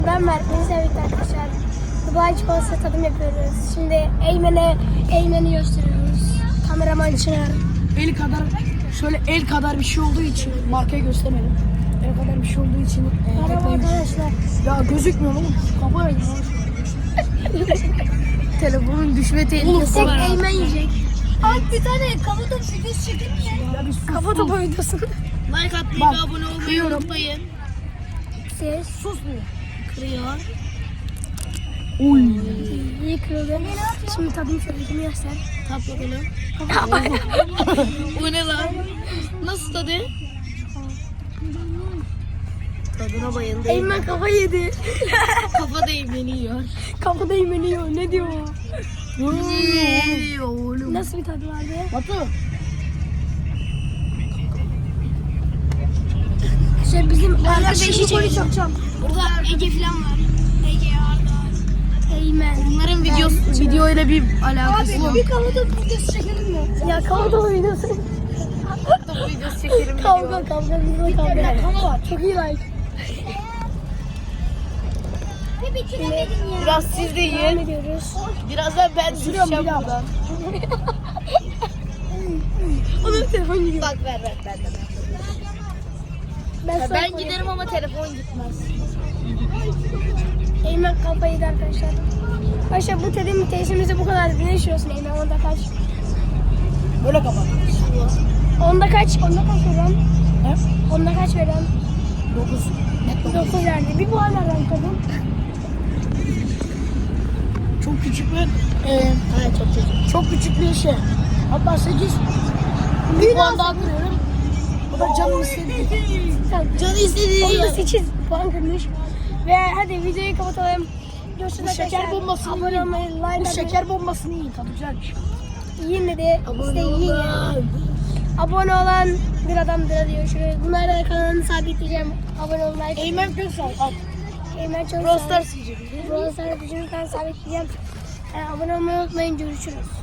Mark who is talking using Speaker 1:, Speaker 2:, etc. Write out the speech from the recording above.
Speaker 1: Ben Mert, beni sevdik arkadaşlar. Dubai çikolatası tadım yapıyoruz. Şimdi Eymen'i gösteriyoruz. Kameraman Çınar.
Speaker 2: El kadar bir şey olduğu için markayı göstermedim. El kadar bir şey olduğu için
Speaker 1: Merhaba arkadaşlar.
Speaker 2: ya gözükmüyor oğlum. Kafayı
Speaker 3: Telefonun düşme tehlikesi
Speaker 1: Tek
Speaker 3: var.
Speaker 1: Eymen yiyecek.
Speaker 3: Abi bir tane kafa topu videosu çekelim mi?
Speaker 2: ya bir sus.
Speaker 1: Kafa topu videosu.
Speaker 3: Like atmayı
Speaker 2: Bak,
Speaker 3: ve abone olmayı
Speaker 2: kıyıyorum.
Speaker 3: unutmayın.
Speaker 1: Ses.
Speaker 2: Susmuyor.
Speaker 3: Kırıyor.
Speaker 2: Uy.
Speaker 1: İyi kırıldı. Şimdi tadım söyleyeceğim göster.
Speaker 3: Tap bakalım. Bu ne lan? Nasıl tadı? Tadına bayıldım.
Speaker 1: Eymen kafa yedi.
Speaker 3: Kafa değmeniyor.
Speaker 1: Kafada Eymen yiyor. Ne diyor?
Speaker 3: Oğlum.
Speaker 1: Nasıl bir tadı vardı?
Speaker 2: Batu.
Speaker 1: Şey bizim arkadaşım
Speaker 3: beşi çekelim.
Speaker 1: çakacağım.
Speaker 3: Burada Ege falan var. Ege, Arda.
Speaker 1: Eymen.
Speaker 3: Bunların video ile bir alakası yok.
Speaker 1: Bir kafa topu videosu çekelim mi? Ya kafa topu videosu.
Speaker 3: Topu videosu çekelim.
Speaker 1: Kavga video kavga. Çok iyi like.
Speaker 3: Biraz siz de
Speaker 1: Devam
Speaker 3: yiyin.
Speaker 1: ediyoruz.
Speaker 3: Birazdan ben düşeceğim
Speaker 2: bir daha.
Speaker 3: buradan.
Speaker 1: Onun telefon gidiyor.
Speaker 3: Bak ver ben de. Ben giderim ama telefon gitmez.
Speaker 1: Eymen kafayı yedi arkadaşlar. Arkadaşlar bu tedim tesisimizde bu kadar. Ne düşünüyorsun Eymen? Onda kaç?
Speaker 2: Böyle kapat.
Speaker 1: Onda kaç? Onda kaç veren?
Speaker 2: Ne?
Speaker 1: Onda kaç veren?
Speaker 2: 9.
Speaker 1: 9 verdi. Bir puan veren kadın.
Speaker 2: Çok küçük bir
Speaker 3: Evet çok
Speaker 2: çok küçük bir şey. Hatta 8. Bir puan daha kırıyorum. O da canım istedi.
Speaker 3: Canı istediği
Speaker 1: Onda
Speaker 3: yer.
Speaker 1: 8 puan kırmış. Ve hadi videoyu kapatalım. Görüşürüz
Speaker 2: Bu şeker
Speaker 1: arkadaşlar.
Speaker 2: bombasını
Speaker 1: Abone
Speaker 2: yiyin.
Speaker 1: olmayı, like
Speaker 2: Bu
Speaker 1: atmayı.
Speaker 2: şeker bombasını yiyin. Tadı güzelmiş.
Speaker 1: Yiyin dedi. İşte yiyin ya. Abone olan bir adamdır diyor. Şöyle bunları kanalını sabitleyeceğim. Abone olun, like.
Speaker 2: Eymen Köksal. Al.
Speaker 1: Eymen çok
Speaker 3: Brawl Stars yiyecek.
Speaker 1: Brawl Stars videonun kanalını sabitleyeceğim. Abone olmayı unutmayın. Görüşürüz.